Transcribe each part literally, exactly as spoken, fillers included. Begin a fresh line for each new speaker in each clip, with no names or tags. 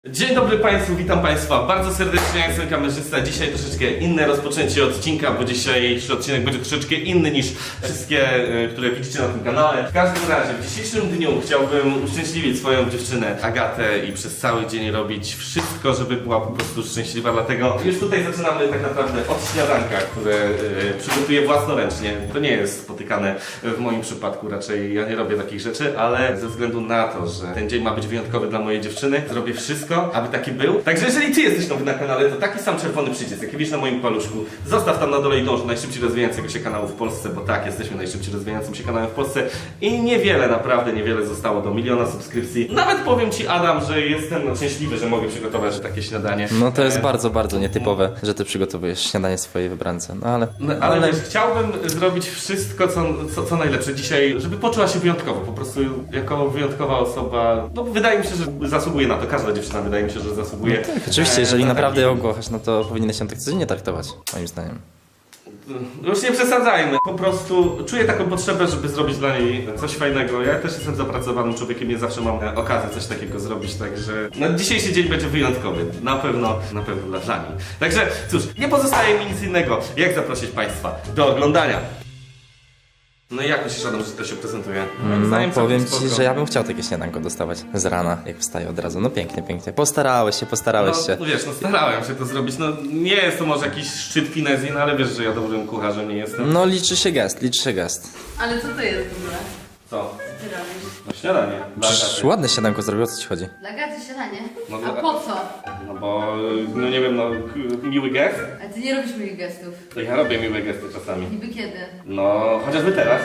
Dzień dobry Państwu, witam Państwa bardzo serdecznie, ja jestem kamerzysta. Dzisiaj troszeczkę inne rozpoczęcie odcinka, bo dzisiejszy odcinek będzie troszeczkę inny niż wszystkie, które widzicie na tym kanale. W każdym razie, w dzisiejszym dniu chciałbym uszczęśliwić swoją dziewczynę Agatę i przez cały dzień robić wszystko, żeby była po prostu szczęśliwa. Dlatego już tutaj zaczynamy tak naprawdę od śniadanka, które y, przygotuję własnoręcznie. To nie jest spotykane w moim przypadku, raczej ja nie robię takich rzeczy, ale ze względu na to, że ten dzień ma być wyjątkowy dla mojej dziewczyny, zrobię wszystko, aby taki był. Także jeżeli Ty jesteś nowy na kanale, to taki sam czerwony przycisk, jaki widzisz na moim paluszku, zostaw tam na dole i dąż do najszybciej rozwijającego się kanału w Polsce, bo tak, jesteśmy najszybciej rozwijającym się kanałem w Polsce i niewiele, naprawdę niewiele zostało do miliona subskrypcji. Nawet powiem Ci, Adam, że jestem szczęśliwy, że mogę przygotować takie śniadanie.
No to jest
e...
bardzo, bardzo nietypowe, że Ty przygotowujesz śniadanie swojej wybrance, no ale...
No, ale, ale... Wiesz, chciałbym zrobić wszystko, co, co, co najlepsze dzisiaj, żeby poczuła się wyjątkowo, po prostu jako wyjątkowa osoba. No wydaje mi się, że zasługuje na to, każda dziewczyna wydaje mi się, że zasługuje.
No tak, oczywiście, jeżeli
e,
naprawdę ją
taki...
kochasz, no to powinieneś się tak codziennie traktować, moim zdaniem.
Już nie przesadzajmy. Po prostu czuję taką potrzebę, żeby zrobić dla niej coś fajnego. Ja też jestem zapracowanym człowiekiem, nie zawsze mam okazję coś takiego zrobić, także no, dzisiejszy dzień będzie wyjątkowy. Na pewno, na pewno dla, dla niej. Także cóż, nie pozostaje mi nic innego, jak zaprosić Państwa do oglądania. No i jak myślisz, Adam, że to się prezentuje?
No powiem Ci, że ja bym chciał takie śniadanko dostawać z rana, jak wstaję od razu. No pięknie, pięknie. Postarałeś się, postarałeś
no,
się.
No wiesz, no starałem się to zrobić. No nie jest to może jakiś szczyt finezji, no ale wiesz, że ja dobrym kucharzem nie jestem.
No liczy się gest, liczy się gest.
Ale co to jest w ogóle?
Co?
Co ty robisz?
No śniadanie. Dla
Przecież
Agaty.
ładne śniadanko zrobił, o co Ci chodzi?
Dla Gaty śniadanie?
No,
A
dla-
po co?
No bo, no nie wiem, no k- miły gest?
A ty nie robisz moich gestów.
To ja robię miłe gesty czasami.
Niby kiedy?
No, chociażby teraz.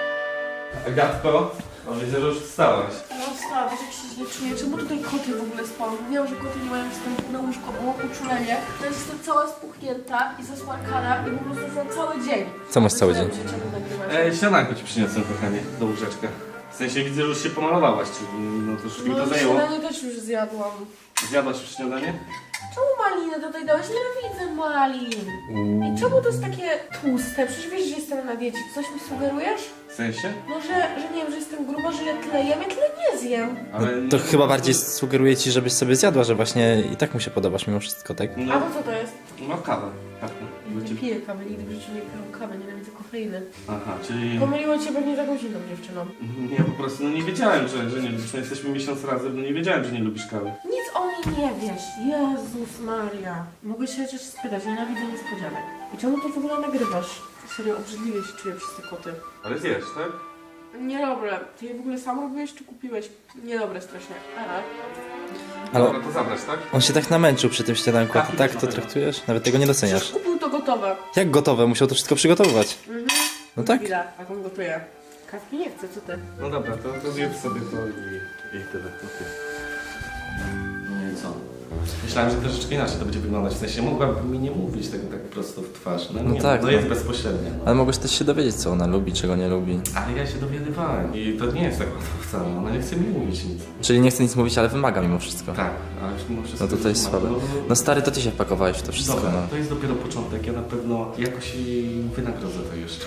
Agatko, o, widzę, że już wstałaś.
No stara, wiesz jak się źle czuję? Czemu tutaj koty w ogóle spałam? Wiem, że koty nie mają wstępu na łóżko, bo mam uczulenie. To jest jestem cała spuchnięta i zasmarkana i po prostu za cały dzień.
Co masz cały dzień?
Myślałem, że cię nagrywać.
E, śniadanko ci przyniosłem, kochanie, do łóżeczka. W sensie widzę, że już się pomalowałaś, czyli no to już mi to
No
zajęło.
śniadanie też już zjadłam.
Zjadłaś już śniadanie?
Czemu maliny tutaj dałeś? Nienawidzę malin. I czemu to jest takie tłuste? Przecież wiesz, że jestem na diecie. Coś mi sugerujesz?
W sensie?
No, że, że nie wiem, że jestem gruba, że ja tyle jem, ja tyle nie zjem.
Ale
To
nie-
chyba bardziej sugeruje Ci, żebyś sobie zjadła, że właśnie i tak mu się podobasz mimo wszystko, tak?
A
No,
bo co to jest?
no kawę. Tak,
Nie piję kawy, nigdy w życiu nie piję kawy, nienawidzę kofeiny.
Aha, czyli...
Pomyliło cię pewnie z jakąś inną dziewczyną.
Nie, po prostu no nie wiedziałem, że, że nie lubisz. No jesteśmy miesiąc razem, no nie wiedziałem, że nie lubisz kawy.
Nic o niej nie wiesz. Jezus Maria. Mogę się chociaż spytać, nienawidzę niespodzianek. I czemu to w ogóle nagrywasz? Serio, obrzydliwie się czuję przez te koty.
Ale zjesz, tak?
Niedobre. Ty je w ogóle sam robiłeś czy kupiłeś? Niedobre strasznie. Ale...
Ale
Dobra, to zabrać, tak?
on się tak namęczył przy tym śniadanku, a Ty tak to traktujesz? Nawet tego nie
Przecież
doceniasz.
kupił to gotowe.
Jak gotowe? Musiał to wszystko przygotowywać.
Mhm.
No tak.
Chwila, jak on gotuje. Kawki nie chcę, co ty?
No dobra, to, to zjedz sobie to i, i tyle. Okay. No i co? Myślałem, że troszeczkę inaczej to będzie wyglądać. W sensie mogłaby mi nie mówić tego tak prosto w twarz. No,
No
nie,
tak,
to
no.
jest bezpośrednie. No.
Ale mogłeś też się dowiedzieć, co ona lubi, czego nie lubi.
Ale ja się dowiadywałem i to nie jest tak łatwo wcale. Ona nie chce mi mówić nic.
Czyli nie chce nic mówić, ale wymaga mimo wszystko.
Tak, ale mimo wszystko...
No to to jest
wymaga.
słabe.
No,
No stary, to Ty się wpakowałeś w to wszystko,
Dobra,
no.
to jest dopiero początek. Ja na pewno jakoś jej wynagrodzę to jeszcze.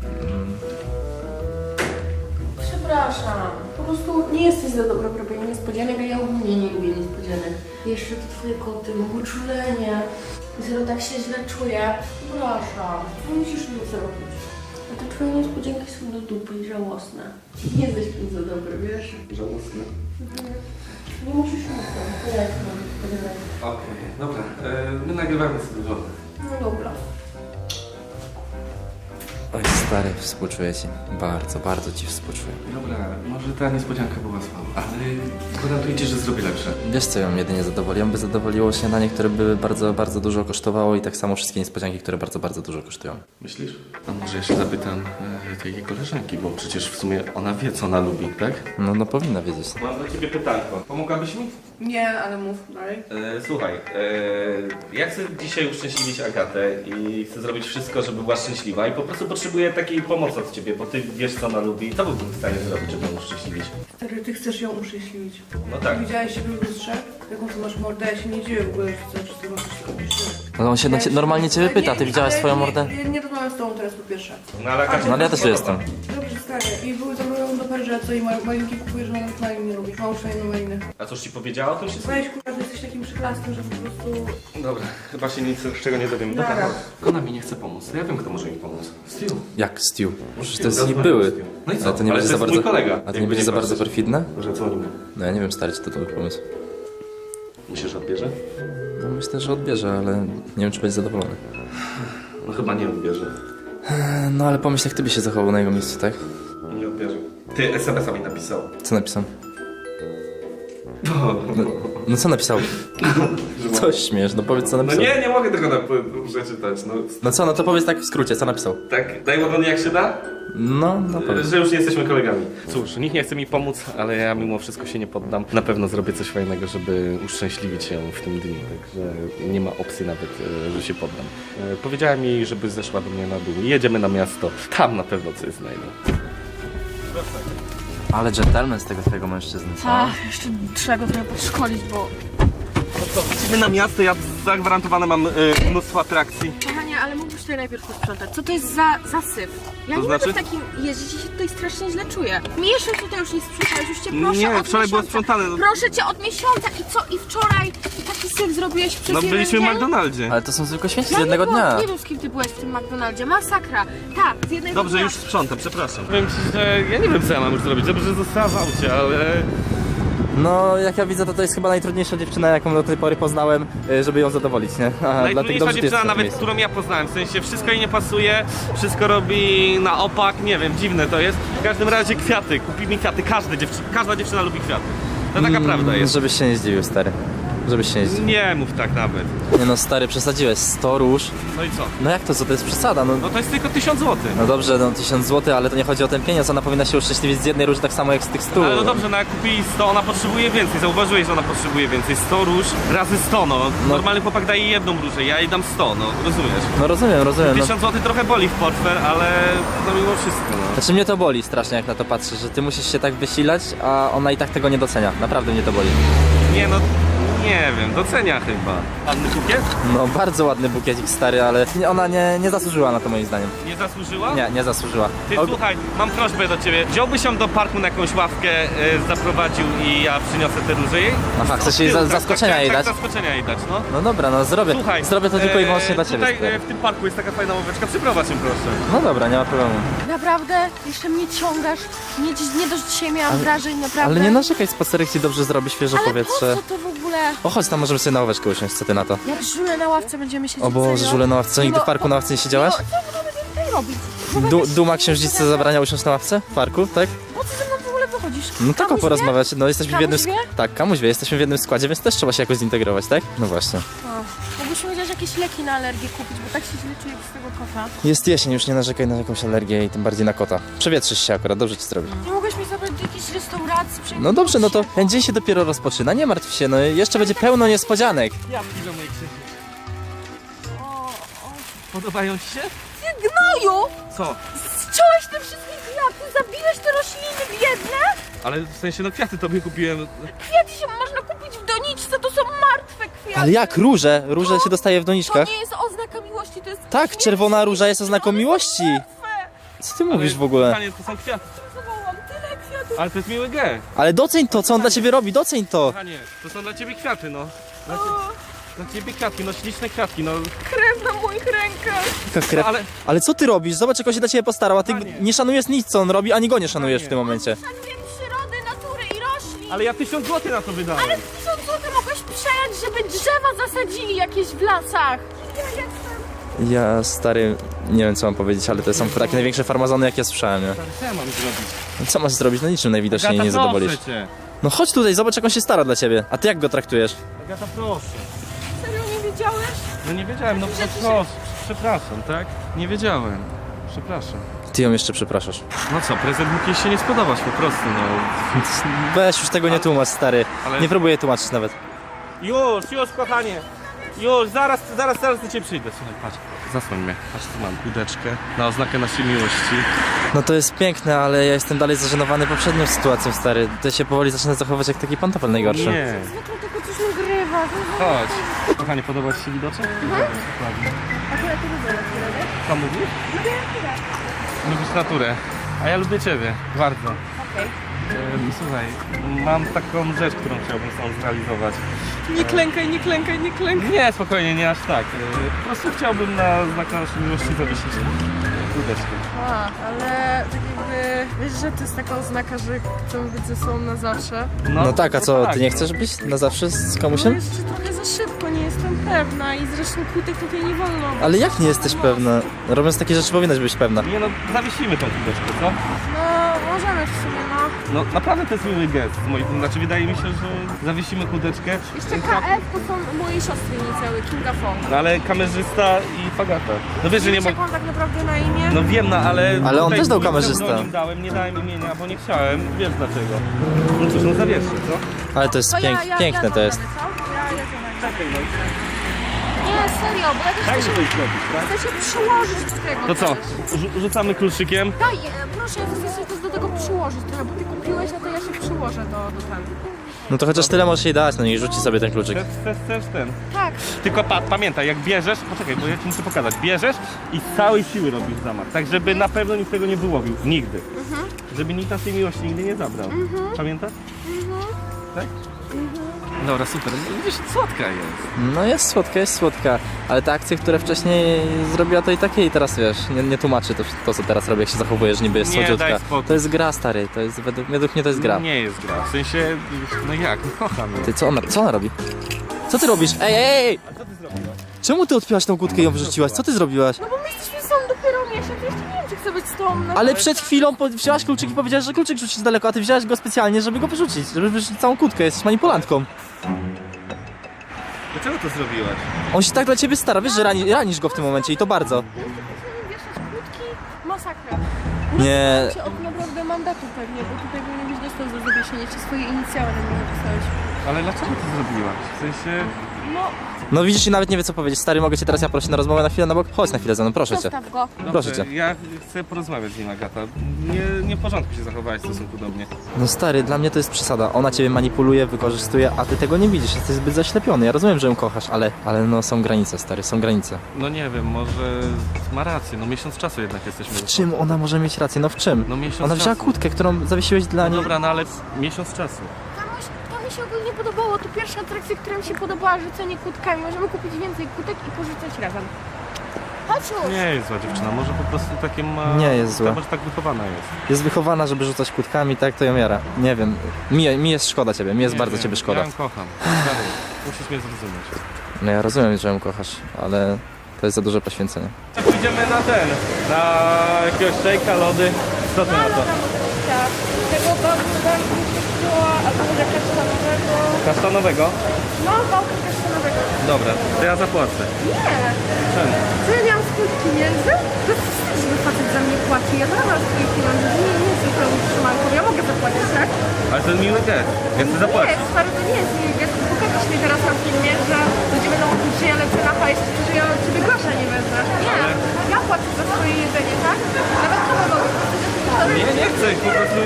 Przepraszam. Po prostu nie jesteś za dobra w robieniu niespodzianek, a ja ogólnie nie lubię niespodzianek. Jeszcze to twoje koty, mam uczulenie. Zero tak się źle czuję. Przepraszam. Nie musisz nic zrobić. A te twoje niespodzianki są do dupy i żałosne. Nie jesteś w tym za dobry, wiesz?
Żałosne.
Mhm. Nie musisz nic zrobić. Ja jak mam spodziewać.
Okej, dobra. E, my nagrywamy sobie żonę.
No dobra.
Oj stary, współczuję Ci. Bardzo, bardzo Ci współczuję.
Dobra, może ta niespodzianka była słaba, ale gwarantuję Ci, że zrobię lepsze.
Wiesz co ją jedynie zadowoli? Ją by zadowoliło śniadanie, które by bardzo, bardzo dużo kosztowało i tak samo wszystkie niespodzianki, które bardzo, bardzo dużo kosztują.
Myślisz? A może ja się zapytam e, tej jej koleżanki, bo przecież w sumie ona wie, co ona lubi, tak?
No, no powinna wiedzieć.
Mam dla Ciebie pytanko. Pomogłabyś mi?
Nie, ale mów dalej.
E, słuchaj, e, ja chcę dzisiaj uszczęśliwić Agatę i chcę zrobić wszystko, żeby była szczęśliwa i po prostu potrzebuję takiej pomocy od Ciebie, bo Ty wiesz, co ona lubi. Co byłbym w stanie zrobić, żeby ją uszczęśliwić?
Stary, ty chcesz ją uszczęśliwić.
No tak.
Widziałeś siebie w lustrze? Jaką ty masz mordę? Ja się nie dziwię w ogóle, że chcesz z tego coś robić.
No on się na cie, normalnie Ciebie pyta, Ty widziałaś
ale
swoją
nie,
mordę?
Nie, nie rozmawiam z tobą teraz po pierwsze.
No ale Agacia...
No ale ja też tu jestem.
Dobrze, stary. I były zabrałem do Perża, co i ma- malинki kupujesz, że nawet malin nie lubi. Mało szalej maliny.
A coś ci powiedziała o tym wszystkim?
Weź kurwa, że jesteś takim przyklastem, że po prostu...
Dobra, chyba się nic z czego nie dowiem. Dobra,
Dobra.
chodź. Ona mi nie chce pomóc. Ja wiem, kto może mi pomóc. Steve.
Jak Stu? Przecież to jest
Zadzwoń
ich były.
do Stu. No i co?
Ale to nie
Ale
będzie
to
za
jest
bardzo...
mój kolega.
A to nie
Jakby
będzie
nie
za bardzo
patrzeć.
perfidne?
Może dzwonimy.
No ja nie wiem, stary, czy to dobry pomysł.
Myślisz, że odbierze?
No myślę, że odbierze, ale nie wiem, czy będzie zadowolony.
No chyba nie odbierze.
No ale pomyśl, jak ty byś się zachował na jego miejscu, tak?
Nie odbierze. Ty es em es a mi napisał.
Co napisał? No, no co napisał? Coś śmiesz, no powiedz co
No
napisał.
nie, nie mogę tego na przeczytać. No,
No co, no to powiedz tak w skrócie, co napisał?
tak, daj ładnie jak się da?
No, no powiedz.
Że już nie jesteśmy kolegami. Cóż, nikt nie chce mi pomóc, ale ja mimo wszystko się nie poddam. Na pewno zrobię coś fajnego, żeby uszczęśliwić ją w tym dniu. Także nie ma opcji nawet, e, że się poddam. E, Powiedziałem jej, żeby zeszła do mnie na dół. Jedziemy na miasto. Tam na pewno coś znajdę.
Ale dżentelmen z tego twojego mężczyzny, co?
A, jeszcze trzeba go trochę podszkolić, bo...
Jedziemy na miasto, ja zagwarantowane mam e, mnóstwo atrakcji.
Kochanie, ale mógłbyś tutaj najpierw posprzątać. Co to jest za zasyp? Ja
To
nie
znaczy?
mogę w takim jeździć i się tutaj strasznie źle czuję. Miesiąc tutaj już nie sprzątałeś, już cię proszę
Nie,
od
wczoraj było
miesiąca.
sprzątane.
Proszę cię od miesiąca i co? I wczoraj i taki syf zrobiłeś przez
No
jeden
byliśmy w
dzień?
McDonaldzie.
Ale to są tylko święci z
Ja
jednego
nie byłam,
dnia.
nie wiem z kim ty byłeś w tym McDonaldzie. Masakra. Tak, z jednego
Dobrze,
dnia.
już sprzątam, przepraszam. Powiem ci, że ja nie wiem, co ja mam już zrobić. Dobrze, że została w aucie, ale...
No, jak ja widzę, to to jest chyba najtrudniejsza dziewczyna, jaką do tej pory poznałem, y, żeby ją zadowolić, nie? A, dlatego
Najtrudniejsza
dobrze, że ty
dziewczyna
jesteś na
nawet,
miejscu.
którą ja poznałem, w sensie wszystko jej nie pasuje, wszystko robi na opak, nie wiem, dziwne to jest. W każdym razie kwiaty, kupi mi kwiaty, każda dziewczyna, każda dziewczyna lubi kwiaty. To taka prawda jest.
Żebyś się nie zdziwił, stary. Żebyś się nie zdziwił.
Nie mów tak nawet.
Nie no, stary, przesadziłeś. sto róż.
No i co?
No jak to, co? To jest przesada, no.
No to jest tylko tysiąc złotych.
No dobrze, no tysiąc złotych, ale to nie chodzi o ten pieniądz, ona powinna się uszczęśliwić z jednej róży tak samo jak z tych stu.
Ale no dobrze, no jak kupi sto, ona potrzebuje więcej. Zauważyłeś, że ona potrzebuje więcej. sto róż razy sto, no. Normalny chłopak daje jedną różę, ja jej dam sto, no. Rozumiesz?
No rozumiem, rozumiem. No.
tysiąc złotych trochę boli w portfel, ale no mimo wszystko, no.
Znaczy mnie to boli strasznie, jak na to patrzę, że ty musisz się tak wysilać, a ona i tak tego nie docenia. Naprawdę mnie to boli.
Nie no, nie wiem, docenia chyba. Ładny bukiet?
No bardzo ładny bukiecik, stary, ale nie- ona nie, nie zasłużyła na to moim zdaniem.
Nie zasłużyła?
Nie, nie zasłużyła.
Ty
Og-
słuchaj, mam prośbę do ciebie. Wziąłbyś ją do parku na jakąś ławkę, e, zaprowadził i ja przyniosę te róże jej?
Aha, chcesz
Od
jej
tyłu,
za-
tak,
zaskoczenia
tak,
jej
tak,
dać?
zaskoczenia jej dać, no.
No dobra, no zrobię.
Słuchaj,
Zrobię to tylko i wyłącznie
e,
dla ciebie.
Tutaj
stary.
e, w tym parku jest taka fajna ławeczka, przyprowadź ją proszę.
No dobra, nie ma problemu.
Naprawdę? Jeszcze mnie ciągasz? Nie, dziś- nie dość dzisiaj miałam wrażeń, naprawdę.
Ale nie narzekaj, spacerek ci dobrze zrobi, świeże
Ale
powietrze.
po co to w ogóle?
O, chodź tam, możemy sobie na ławeczkę usiąść, co ty na to?
Jak żule na ławce będziemy siedzieć,
O Boże,
serio?
żule na ławce, nigdy
No,
w parku na ławce nie siedziałaś?
No, co my będziemy tutaj robić?
Du Duma księżniczce zabrania usiąść na ławce w parku, tak?
Po co ze mną w ogóle wychodzisz?
No tak o
Kamuś
porozmawiać, no jesteśmy w jednym...
Kamuś wie?
Tak, kamuś wie, jesteśmy w jednym składzie, więc też trzeba się jakoś zintegrować, tak? No właśnie.
wie? O, mógłbyśmy chociaż jakieś leki na alergię kupić, bo tak się źle czuję z tego kota.
Jest jesień, już nie narzekaj na jakąś alergię i tym bardziej na kota. Przewietrzysz się akurat, dobrze ci zrobi.
Nie mogłeś mi zabrać do jakiejś restauracji? przejść
No dobrze, no to
się.
ten dzień się dopiero rozpoczyna, nie martw się, no jeszcze będzie pełno niespodzianek.
Ja piszę moje krzyki.
O, o.
Podobają ci się?
Ty gnoju!
Co?
Zciąłeś te wszystkie kwiaty, zabiłeś te rośliny biedne?
Ale w sensie, no kwiaty tobie kupiłem.
Kwiaty się można kupić w doniczce, to są martwe kwiaty.
Ale jak róże? Róże się dostaje w
To
doniczkach.
nie jest oznaka miłości, to jest...
Tak,
śmierć.
czerwona róża jest oznaką
One są
miłości.
martwe.
Co ty mówisz w ogóle?
Kochanie, to są kwiaty.
Zawołam tyle kwiatów.
Ale to jest miły gest.
Ale doceń to, co on dla ciebie robi, doceń to.
Kochanie, to są dla ciebie kwiaty, no. Dla,
O,
dla ciebie kwiatki, no śliczne kwiatki, no.
krew na moich rękach.
Taka krew.
Ale
Ale co ty robisz? Zobacz, jak on się dla ciebie postarał, a ty
Panie.
nie szanujesz nic, co on robi, ani go nie szanujesz w
Panie.
tym momencie.
Szanuję przyrody, natury i roślin.
Ale ja tysiąc złotych na to wydałem.
Ale tysiąc złotych mogłeś przejąć, żeby drzewa zasadzili jakieś w lasach. Ja jestem...
Ja, stary, nie wiem co mam powiedzieć, ale to są takie największe farmazony, jakie słyszałem, nie?
Co ja mam zrobić?
No co masz zrobić? No niczym najwidoczniej
Agata,
nie zadowolisz.
proszę cię.
No chodź tutaj, zobacz, jak on się stara dla ciebie. A ty jak go traktujesz?
Agata, proszę.
Serio nie wiedziałeś?
No nie wiedziałem, no
Że ty się-
proszę. Przepraszam, tak? Nie wiedziałem. Przepraszam.
Ty ją jeszcze przepraszasz.
No co, prezent mógł jej się nie spodobać po prostu, no.
Weź już tego nie tłumacz, stary.
Ale-
Nie próbuję tłumaczyć nawet.
Już, już kochanie. Już, zaraz, zaraz, zaraz do ciebie przyjdę. Słuchaj, patrz. Zasłoń mnie. Patrz, tu mam kudeczkę na oznakę naszej miłości.
No to jest piękne, ale ja jestem dalej zażenowany poprzednią sytuacją, stary. Ty się powoli zaczynasz zachowywać jak taki pantofel najgorszy.
Nie.
Zwykle tylko coś nagrywa.
Chodź. Kochanie, podoba ci się widoczek? Dokładnie.
Akurat to lubię,
Co mówisz? Lubisz naturę. A ja lubię ciebie, bardzo.
Okej.
Ehm, Słuchaj, mam taką rzecz, którą chciałbym sam zrealizować.
Nie klękaj, nie klękaj, nie klękaj.
Nie, spokojnie, nie aż tak. Ehm, Po prostu chciałbym na znak naszej miłości zawiesić kółeczkę.
A, ale tak jakby, wiesz, że to jest taka oznaka, że chcemy być ze sobą na zawsze.
No tak, a co,
tak.
ty nie chcesz być na zawsze z
No
komusiem?
jeszcze trochę za szybko, nie jestem pewna i zresztą kłótek tutaj nie wolno.
Ale jak nie jesteś pewna? Robiąc takie rzeczy powinnaś być pewna.
Nie no, zawiesimy tą kółeczkę, co?
No, możemy w sumie, no.
No naprawdę to jest miły gest. z mojej- Znaczy wydaje mi się, że zawiesimy kółeczkę.
Jeszcze K F to są mojej siostry inicjały, Kinga Fong.
No ale kamerzysta i Fagata. No wiesz, że nie
Wiesz,
mogę...
jak mam tak naprawdę na imię?
No wiem, no ale...
Ale on
tutaj
też dał
mój
kamerzysta.
pseudonim dałem, nie dałem imienia, bo nie chciałem. Wiesz dlaczego. No cóż, no zawieszę, co?
Ale to jest
To
pięk, piękne to jest.
co? Ja, ja to
Czekaj, no.
Nie, serio, bo ja też
Daj
chcę
mi
się,
coś zrobić, tak?
chcę się przyłożyć do tego
To co?
też.
Rzu- Rzucamy kluczykiem.
Daj, e, proszę, chcę się też do tego przyłożyć trochę, bo ty kupiłeś, no to ja się przyłożę do, do ten.
No to chociaż tyle możesz jej dać, no niech rzuci sobie ten kluczyk.
Chcesz, chcesz, chcesz ten.
Tak.
Tylko pa pamiętaj, jak bierzesz, poczekaj, bo ja ci muszę pokazać. Bierzesz i z całej siły robisz zamach, tak żeby na pewno nikt tego nie wyłowił. Nigdy.
Mhm.
Żeby nikt naszej miłości nigdy nie zabrał. Pamiętasz? Tak? Dobra, super. Widzisz, słodka jest.
No jest słodka, jest słodka, ale te akcje, które wcześniej zrobiła, to i takie i teraz wiesz, nie, nie tłumaczy to, to co teraz robi, jak się zachowujesz, niby jest
Nie, daj
słodziutka.
spokój.
To jest gra, stary, to jest, według, według mnie to jest gra.
Nie jest gra. W sensie, no jak, no kocham ją.
Ty, co ona, co ona robi? Co ty robisz? Ej, ej, ej!
A co ty zrobiłaś?
Czemu ty odpiłaś tą kłódkę i ją wyrzuciłaś? Co ty zrobiłaś?
No bo my jesteśmy sam dopiero miesiąc, jeszcze nie wiem, czy chcę być z tobą na...
Ale przed chwilą po- wzięłaś kluczyk i powiedziałaś, że kluczyk rzucić daleko, a ty wzięłaś go specjalnie, żeby go wyrzucić, żeby wyrzucić całą kłódkę, jesteś manipulantką.
Dlaczego to zrobiłaś?
On się tak dla ciebie stara, wiesz, że rani, ranisz go w tym momencie i to bardzo.
Chcemy wieszać kłódki, masakra.
Nie,
Cię od naprawdę mandatu pewnie, bo tutaj powinieneś dostał za zawieszenie, jeszcze swoje inicjały na mnie napisałeś.
Ale dlaczego to zrobiłaś? W sensie...
No,
no widzisz i nawet nie wie co powiedzieć. Stary, mogę cię teraz ja prosić na rozmowę na chwilę na bok? Chodź na chwilę ze mną, proszę cię.
zostaw go.
Proszę
Dobrze,
cię.
ja chcę porozmawiać z nim, Agata. Nie, nie w porządku się zachowałaś w stosunku do mnie.
No stary, dla mnie to jest przesada. Ona ciebie manipuluje, wykorzystuje, a ty tego nie widzisz. Jesteś zbyt zaślepiony. Ja rozumiem, że ją kochasz, ale, ale no są granice, stary, są granice.
No nie wiem, może ma rację, no miesiąc czasu jednak jesteśmy.
W czym ona może mieć rację? No w czym?
No miesiąc
Ona wzięła
czasu.
kłódkę, którą zawiesiłeś dla
No
niej.
dobra, no ale miesiąc czasu.
Kamuś, to mi się ogólnie podobało. To pierwsza atrakcja, która mi się podobała, rzucenie kłódkami. Możemy kupić więcej kłódek i porzucać razem. Chodź już.
Nie jest zła dziewczyna, może po prostu takie ma...
Nie jest zła.
Może tak wychowana jest.
Jest wychowana, żeby rzucać kłódkami, tak to ją jara. Nie wiem, mi, mi jest szkoda ciebie, mi jest
Nie
bardzo
wiem,
ciebie szkoda.
Ja ją kocham. Stary, musisz mnie zrozumieć.
No ja rozumiem, że ją kochasz, ale to jest za duże poświęcenie.
Tak, pójdziemy na ten, na jakiegoś szejka, lody. Co ty na to?
Tego bałka była, a to może kasztanowego.
Kasztanowego?
No, bałka kasztanowego.
Dobra, to ja zapłacę.
Nie.
Czemu?
Co ja miałam swój pieniędzy? To jest wstyd, żeby facet za mnie płaci. Ja też mam swoje pieniądze. Nie, nie jestem pełną trzymanką. Ja mogę zapłacić, tak?
Ale to jest miły gest, ja chcę
Nie,
zapłacić.
stary, to nie jest miły gest. Pokażesz mi teraz na filmie, że ludzie będą mówić, że ja lecę na hajs, że ja od ciebie grosza nie wezmę. Nie,
Ale-
ja płacę za swoje jedzenie, tak? Nawet to mogę.
Nie, nie chcę, po prostu...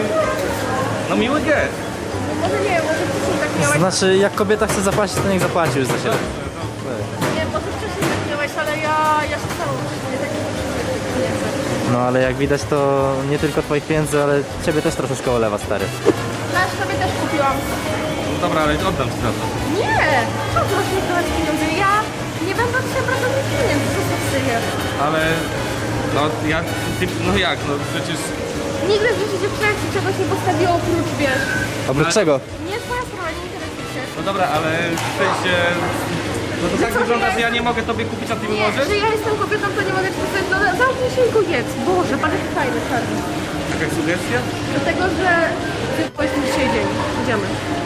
No miły gest.
Może nie, może wcześniej tak miałeś.
Znaczy, jak kobieta chce zapłacić, to niech zapłaci już za siebie.
Nie, może wcześniej tak miałeś, ale ja, ja się całą nie tak nie potrzebuję tych pieniędzy.
No ale jak widać, to nie tylko twoich pieniędzy, ale ciebie też troszeczkę olewa, stary.
Znasz, tobie też kupiłam.
No dobra, ale oddam ci za to.
Nie! Co ty masz mi dawać pieniądze? Ja nie będę od ciebie brać żadnych pieniędzy, co ty przyjesz?
Ale... No jak... Ty, no jak, no przecież...
Nigdy w życiu dziewczyna ci czegoś nie postawiło oprócz, wiesz.
Oprócz
Ale-
czego?
Nie twoja sprawa, nie interesuje się.
No dobra, ale w sensie... No to tak
co,
wygląda,
ja-
że ja nie mogę tobie kupić, a ty mi
Nie,
możesz?
że ja jestem kobietą, to nie mogę ci postawić, no zamknij się i go jedz. Boże, pan jest fajny, czarny.
Jakaś sugestia?
Dlatego, że ty powiedz mi dzisiaj dzień. Idziemy.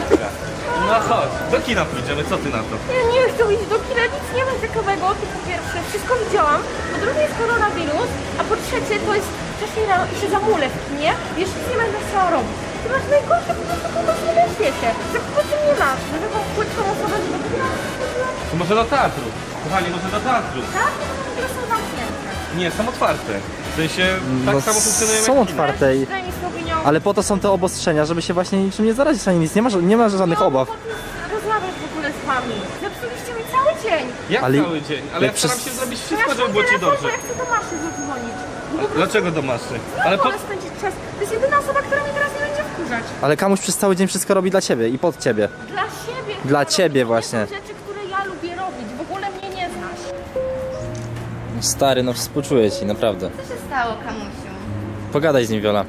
No chodź, do kina pójdziemy, co ty na to?
Ja nie chcę iść do kina, nic nie ma ciekawego. To po pierwsze, wszystko widziałam. Po drugie jest koronawirus, a po trzecie to jest wcześniej rano i się zamulę w kinie. Wiesz, nic nie będę chciała robić. Ty masz najgorsze po prostu pomysły na świecie. Za kogo ty nie masz? Za taką płytką osobę, żeby ty miała
To może do teatru. Kochani, może do teatru.
tak? Które są zamknięte.
Nie, są otwarte. W sensie, tak
No,
samo funkcjonujemy
są
jak kina.
otwarte i...
Daj mi z opinią.
Ale po to są te obostrzenia, żeby się właśnie niczym nie zarazić ani nic. Nie ma, ża- nie ma żadnych
No,
obaw.
po co ty rozmawiasz w ogóle z wami? Zepsuliście mi cały dzień.
Jak
Ale-
cały dzień? Ale ja
jak
staram
przez-
się zrobić
To
wszystko,
ja
żeby było ci
telefon,
dobrze.
bo ja chcę do Maszy zadzwonić.
Dlaczego do maszy? Ale po...
Wolę spędzić czas. To jest jedyna osoba, która mnie teraz nie będzie wkurzać.
Ale Kamuś przez cały dzień wszystko robi dla ciebie i pod ciebie.
Dla siebie.
Dla
chcę
ciebie
robić.
właśnie.
To są rzeczy, które ja lubię robić. W ogóle mnie nie znasz.
No stary, no współczuję ci, naprawdę.
Co się stało, Kamusiu?
Pogadaj z nim, Wiola.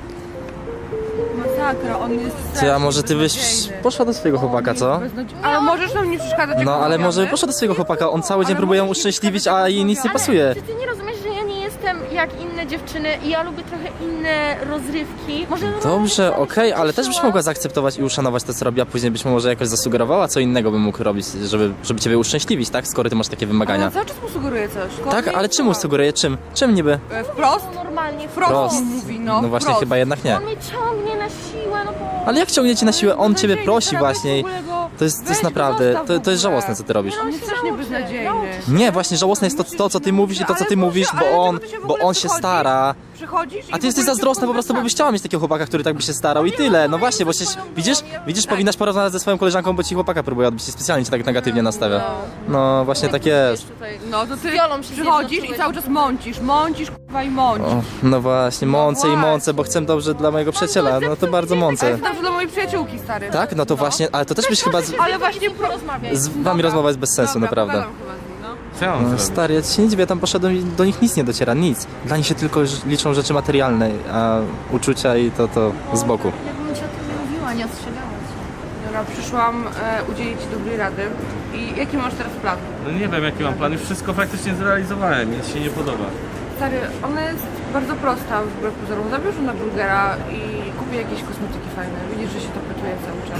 Masakra, on jest
Ty, a może ty byś poszła do swojego chłopaka, co?
Ale możesz nam nie przeszkadzać, jak
No, ale
rozmawiamy?
może by poszła do swojego chłopaka, on cały dzień
Ale
próbuje ją
możesz nie
uszczęśliwić, a jej nic nie
Ale-
pasuje.
Czy ty nie rozumiesz, że ja nie jestem jak inne dziewczyny i ja lubię trochę inne rozrywki? Może
Dobrze,
normalnie
okej,
się
ale też byś
cieszyła.
mogła zaakceptować i uszanować to, co robi, a później byś mu może jakoś zasugerowała, co innego bym mógł robić, żeby, żeby ciebie uszczęśliwić, tak? Skoro ty masz takie
Ale
wymagania.
on cały czas mu sugeruje coś.
Tak, ale czemu sugeruje? Czym? Czym niby?
E, Wprost?
Normalnie,
Wprost
Prost.
mu mówi, no.
No właśnie,
wprost.
chyba jednak nie.
On mnie ciągnie na siłę, no bo...
Ale jak ciągnie cię na siłę? On ciebie
Beznadziejny,
prosi
teraz
właśnie.
w ogóle go-
To jest, to
weź
jest
go
naprawdę,
zostaw
to,
w
to jest
ogóle.
żałosne, co ty robisz.
On jest strasznie beznadziejny.
nauczy się.
Nie, właśnie żałosne jest to, to co ty mówisz i to, co ty mówisz, bo on, bo on się stara.
Przychodzisz i
A
w
ty jesteś
ogóle
zazdrosna po prostu, bo byś chciała mieć takiego chłopaka, który tak by się starał i tyle. No właśnie, bo się, widzisz, widzisz, powinnaś porozmawiać ze swoją koleżanką, bo ci chłopaka próbuje odbić i specjalnie cię tak negatywnie nastawia. No właśnie tak jest.
No to ty
Wiolą się
przychodzisz i
zjednoczyłeś.
cały czas mącisz, mącisz k***wa i mącisz.
O, no właśnie, mącę i
właśnie.
mącę, bo chcę dobrze dla mojego przyjaciela, no to bardzo
Ale
mącę.
to dobrze dla mojej przyjaciółki, stary.
Tak? No to właśnie, ale to też byś chyba z,
Ale właśnie
porozmawiać.
z wami rozmowa jest bez sensu,
Dobra,
naprawdę.
pogadam chyba z nim, no.
Co ja mam
No,
zrobić?
stary, ja ci się nie dziwię, tam poszedłem i do nich nic nie dociera, nic. Dla nich się tylko ż- liczą rzeczy materialne, a uczucia i to, to z boku.
Jakbym ci o tym nie mówiła, nie ostrzegała cię.
Dobra, przyszłam e, udzielić ci dobrej rady. I jaki masz teraz plan?
No nie wiem jaki mam plan, już wszystko praktycznie zrealizowałem, nic się nie podoba.
Stary, ona jest bardzo prosta wbrew pozorom. Zabierz ją na burgera i kupię jakieś kosmetyki fajne. Widzisz, że się to pytuje cały czas.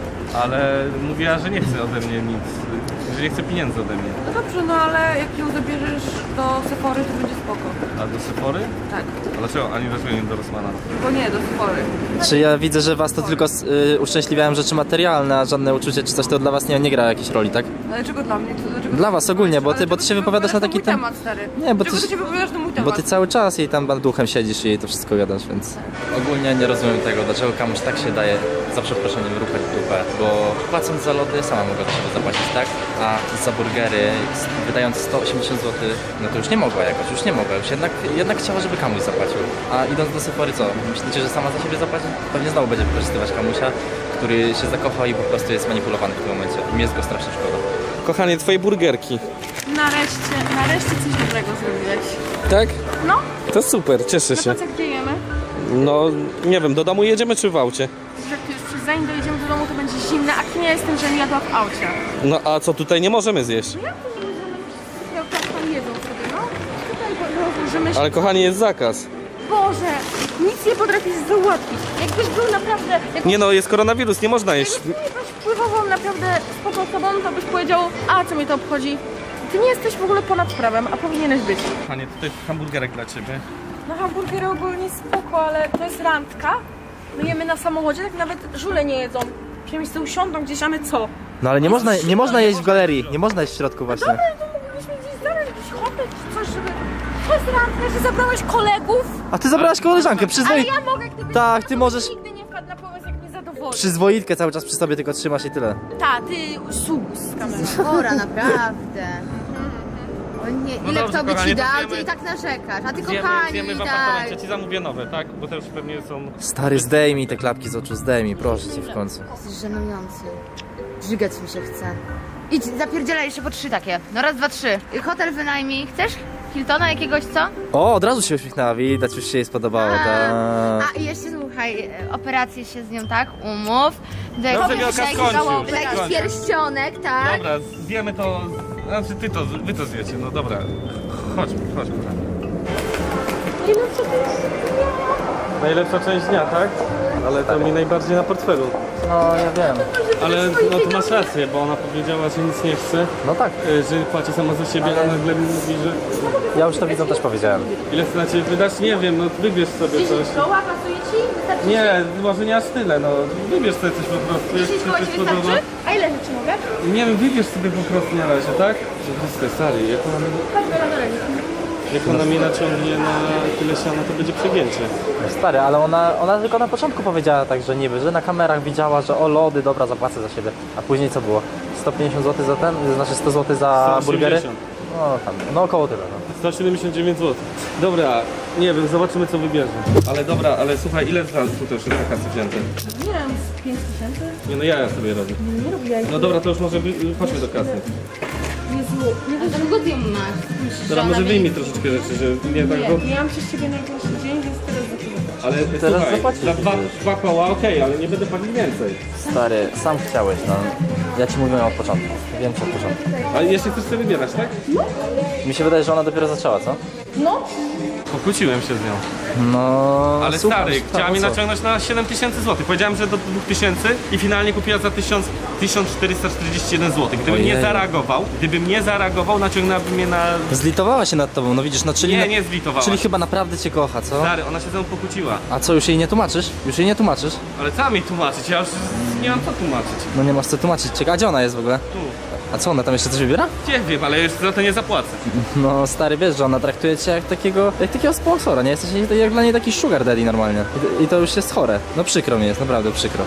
Ale mówiła, że nie chce ode mnie nic, że nie chce pieniędzy ode mnie.
No dobrze, no ale jak ją zabierzesz do Sephory, to będzie spoko.
A do Sephory?
Tak.
A dlaczego? Ani dlaczego nie do Rossmana?
Bo nie, do Sephory.
Czy ja widzę, że was to tylko y, uszczęśliwiałem rzeczy materialne, a żadne uczucie czy coś to dla was nie, nie gra jakiejś roli, tak?
Ale czego dla mnie? To, dlaczego
Dla was ogólnie, bo ty-
Ale
bo ty
czego
się wypowiadasz na taki
mój
tem-
temat, stary.
Nie, bo
Czego
ty-
ty się wypowiadasz na mój temat?
Bo ty cały czas jej tam duchem siedzisz i jej to wszystko gadasz, więc... Ogólnie nie rozumiem tego, dlaczego komuś tak się daje, za przeproszeniem, rupać w dupę, bo płacąc za lody sama mogła do siebie zapłacić, tak? A za burgery, s- wydając sto osiemdziesiąt złotych, no to już nie mogła jakoś, już nie mogła, już jednak, jednak chciała, żeby Kamuś zapłacił. A idąc do Sephory co? Myślicie, że sama za siebie zapłaci? Pewnie znowu będzie wykorzystywać Kamusia, który się zakocha i po prostu jest manipulowany w tym momencie. Mi jest go strasznie szkoda.
Kochanie, twoje burgerki.
Nareszcie, nareszcie coś dobrego zrobiłeś.
Tak?
No,
To super, cieszę
no to co, gdzie jemy?
No, nie wiem, do domu jedziemy czy w aucie?
Że jak już przez zanim dojedziemy do domu, to będzie zimne, a kim ja jestem, że nie jadła w aucie?
No a co tutaj nie możemy zjeść?
Jak to nie możemy? Jak tak tam jedzą sobie, no? Tutaj rozłożymy się.
Ale kochanie, jest zakaz.
Boże, nic nie potrafisz załatwić. Jakbyś był naprawdę... Jak
Nie no, jest koronawirus, nie można jeść.
Jakbyś byś wpływową naprawdę spoko osobą, to byś powiedział, a co mnie to obchodzi? Ty nie jesteś w ogóle ponad prawem, a powinieneś być.
Kochanie, tutaj hamburgerek dla ciebie.
No hamburgery ogólnie spoko, ale to jest randka. My jemy na samochodzie, tak nawet żule nie jedzą. Przynajmniej sobie usiądą gdzieś, a my co?
No ale nie można, nie można jeść w galerii, nie można jeść w środku właśnie.
Dobra, to mogliśmy gdzieś znaleźć jakiś hotel czy coś, żeby... To jest randka, że zabrałeś kolegów.
A ty zabrałaś koleżankę,
Ale
przyzwoi...
ja mogę, gdyby...
Tak,
ja
ty
to
możesz-
Nigdy nie wpadł na pomysł, jak mnie zadowoli.
Przyzwoitkę cały czas przy sobie tylko trzymasz i tyle.
Ta, ty sus z kamerą.
Chora, naprawdę. O nie,
No
ile
dobrze,
kto by
kochanie,
ci
to
dał,
zjemy-
ty i tak narzekasz. A ty
Zjemy,
kochani,
zjemy w
tak.
apartamencie, ci zamówię nowe, tak? Bo te już pewnie są...
Stary, zdejmij te klapki z oczu, zdejmij, proszę cię w końcu.
Jesteś żenujący. Żygać mi się chce. Idź, zapierdzielaj jeszcze po trzy takie. No raz, dwa, trzy. Hotel wynajmij. Chcesz? Hiltona jakiegoś, co?
O, od razu się uśmiechnęła, widać, już się jej spodobało,
A,
tak.
a i jeszcze słuchaj, e, operację się z nią, tak? Umów. Do
Dobrze,
jakiegoś,
Wielka,
jakiś,
skończ już,
do jakiś
skończ.
pierścionek, tak?
Dobra, zjemy to... Znaczy ty to, wy to zjecie, no dobra. Chodźmy, chodźmy. Najlepsza część dnia, tak? Ale to mi najbardziej na portfelu.
No, ja wiem.
Ale no to masz rację, bo ona powiedziała, że nic nie chce,
No tak,
y, że płaci sama za siebie, a nagle mi mówi, że
ja już to widzom też powiedziałem.
ile chce na ciebie wydać? Nie wiem, no wybierz sobie coś.
Koła pasuje ci? Wystarczy
Nie, może nie aż tyle, no wybierz sobie coś po prostu. jak
dziesięć
ci
koła
się
ci
spodoba.
wystarczy? A ile rzeczy mogę?
Nie wiem, wybierz sobie po prostu na razie, tak? Wszystko stary, jak ona, jak ona mnie naciągnie na tyle siana, to będzie przegięcie.
Stary, ale ona, ona tylko na początku powiedziała tak, że niby, że na kamerach widziała, że o lody, dobra, zapłacę za siebie. A później co było? sto pięćdziesiąt złotych za ten? Znaczy sto złotych za
sto
burgery?
osiemdziesiąt.
No tam, no około tyle, no.
sto siedemdziesiąt dziewięć złotych. Dobra, Nie wiem, zobaczymy co wybierze. Ale dobra, ale słuchaj, ile za tutaj już jest na kasy wzięte?
Nie wiem, z pięć tysięcy?
Nie no, ja sobie robię.
Nie robię jajek.
No dobra, to już może wy- chodźmy do kasy.
Jezu, nie
A za długo ty ją masz? Myślisz, że
Dobra,
ona
może
mnie
wyjmij
nie
troszeczkę
kupi?
rzeczy, że nie tak... Bo...
Nie, miałam przez ciebie najgorszy dzień, więc teraz zaczynam.
Ale
Teraz
słuchaj,
zapłacisz
za dwa,
przecież.
dwa koła okej, ale nie będę płacić więcej.
Stary, sam chciałeś, no. Ja ci mówiłem od początku. Wiem ci od początku.
A jeszcze chcesz sobie wybierać, tak?
Mi się wydaje, że ona dopiero zaczęła, co?
No,
Pokłóciłem się z nią.
No...
Ale
słucham,
stary,
słucham,
chciała mnie
a co?
naciągnąć na siedem tysięcy złotych. Powiedziałem, że do dwóch tysięcy i finalnie kupiła za tysiąc czterysta czterdzieści jeden złotych. Gdybym nie
Ojej.
zareagował, gdybym nie zareagował, naciągnęłaby mnie na...
Zlitowała się nad tobą, no widzisz, no czyli...
Nie,
na-
nie zlitowała.
Czyli chyba naprawdę cię kocha, co?
Stary, ona się ze mną pokłóciła.
A co, już jej nie tłumaczysz? Już jej nie tłumaczysz?
Ale co mi tłumaczyć? Ja już nie mam co tłumaczyć.
No nie masz co tłumaczyć. Czekaj, a gdzie ona jest w ogóle?
Tu.
A co, ona tam jeszcze coś wybiera?
Nie wiem, ale już za to nie zapłacę.
No stary, wiesz, że ona traktuje cię jak takiego, jak takiego sponsora, nie? Jesteś jej- jak dla niej taki sugar daddy normalnie. I, I to już jest chore. No przykro mi jest, naprawdę przykro.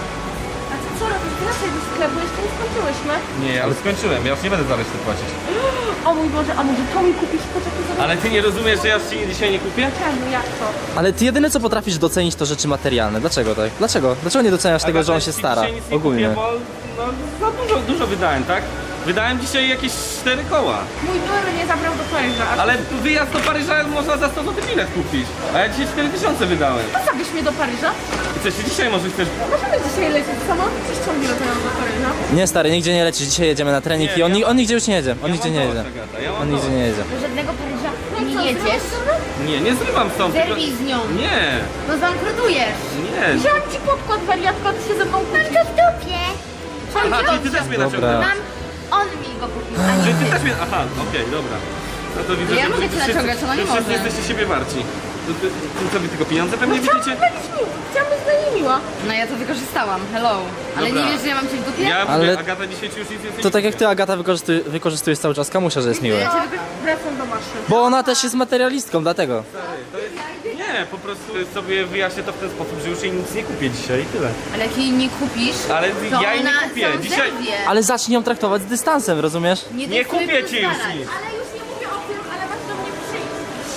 a ty co robisz? Wracaj do sklepu, jeszcze nie skończyłyśmy.
Nie, ale skończyłem, ja już nie będę za resztę płacić.
O mój Boże, a może to mi kupisz? Poczekaj, zaraz.
Ale ty nie rozumiesz, że ja już ci dzisiaj nie kupię?
Czemu, jak to?
Ale ty jedyne co potrafisz docenić to rzeczy materialne. Dlaczego tak? Dlaczego? Dlaczego nie doceniasz tego, że on się stara?
Dzisiaj nic nie
Ogólnie.
Kupię, bo no, za dużo, dużo wydałem, tak? Wydałem dzisiaj jakieś cztery koła.
Mój były mnie zabrał do Paryża, a
Ale wyjazd do Paryża można za sto złotych bilet kupić. A ja dzisiaj cztery tysiące wydałem.
co zabierz mnie do Paryża?
I co, jeszcze dzisiaj może chcesz...
Możemy dzisiaj lecieć sama? Przecież ciągle latają do Paryża.
Nie stary, nigdzie nie lecisz, dzisiaj jedziemy na trening
Nie,
i on,
ja
ni-
mam-
on nigdzie już nie jedzie. On
Ja
nigdzie
mam
nie
dość,
jedzie.
Agata, ja mam
On nigdzie
dość.
nie jedzie.
Do żadnego Paryża
No i
nie
co,
jedziesz.
Nie, nie zrywam stąd. tylko-
Zerwij z nią.
Nie,
No zbankrutujesz.
nie.
Wziąłem ci podkład, wariatko, ty się ze mną kłócisz.
To w dupie.
Aha, czyli ty też mnie
Dobra.
naciągnąłeś.
Mam... On mi go kupił, a
Czy
nie
ty
ty.
też mnie... Aha, okej, dobra. No to widzę,
Ja
że
mogę
wszyscy-
cię naciągać, ona nie
że wszyscy
może.
jesteście siebie warci. To, to, to co wy tylko pieniądze pewnie widzicie?
Chciałam być miła, chciałam być dla niej miła.
No ja to wykorzystałam, hello. Ale
Dobra.
nie wiesz, że ja mam cię w dupie?
Ja
Ale-
mówię, Agata dzisiaj ci już nic więcej
To
nie
tak jak
kupię.
ty Agata wykorzystuj, wykorzystujesz cały czas Kamusia, że jest miły.
Ja cię wykorzystałam.
Wracam do maszy.
Bo ona też jest materialistką, dlatego.
To jest... Nie, po prostu sobie wyjaśnię to w ten sposób, że już jej nic nie kupię dzisiaj i tyle.
Ale jak jej nie kupisz,
Ale
to
ja jej nie
ona
kupię.
sam
Dzisiaj-
zerwie.
Ale zacznij ją traktować z dystansem, rozumiesz?
Nie
daj sobie
kupię ci już
postarać.
nic.
Ale już nie mówię o tym, ale masz do mnie przyjść.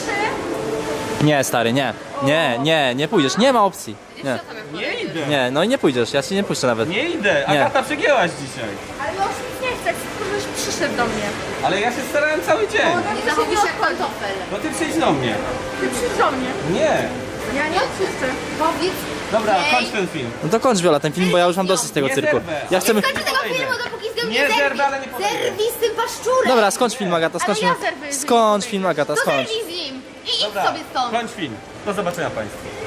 Trzy.
Nie, stary, nie. Nie, nie, nie pójdziesz. Nie ma opcji. Nie.
Co sobie
Nie
powiedzieć?
idę.
Nie, no i nie pójdziesz, ja ci nie puszczę nawet.
Nie idę.
Nie.
Agata przegięłaś dzisiaj.
Ale ja już nic nie chcę, chcę, żebyś przyszedł do mnie.
Ale ja się starałem cały dzień.
Nie zachowuj się jak pantofel.
No ty przyjdź do mnie.
Ty przyjdź do mnie.
Nie.
Ja nie odpuszczę.
Powiedz
Dobra,
jej.
kończ ten film.
No to kończ Wiola ten film, bo ja już mam dosyć tego
Nie
cyrku.
zerwę.
Ja chcę...
Skończę tego filmu, dopóki z nią
Nie
nie zerwi.
zerwę, ale nie podejdę.
Zerwij z tym paszczurem.
Dobra, skończ film Agata, skończ
Ale ja
film.
zerwę, jeżeli
Skończ
nie
film Agata,
To
skończ.
zerwij z nim. I idź
Dobra,
sobie stąd.
kończ film. Do zobaczenia Państwu.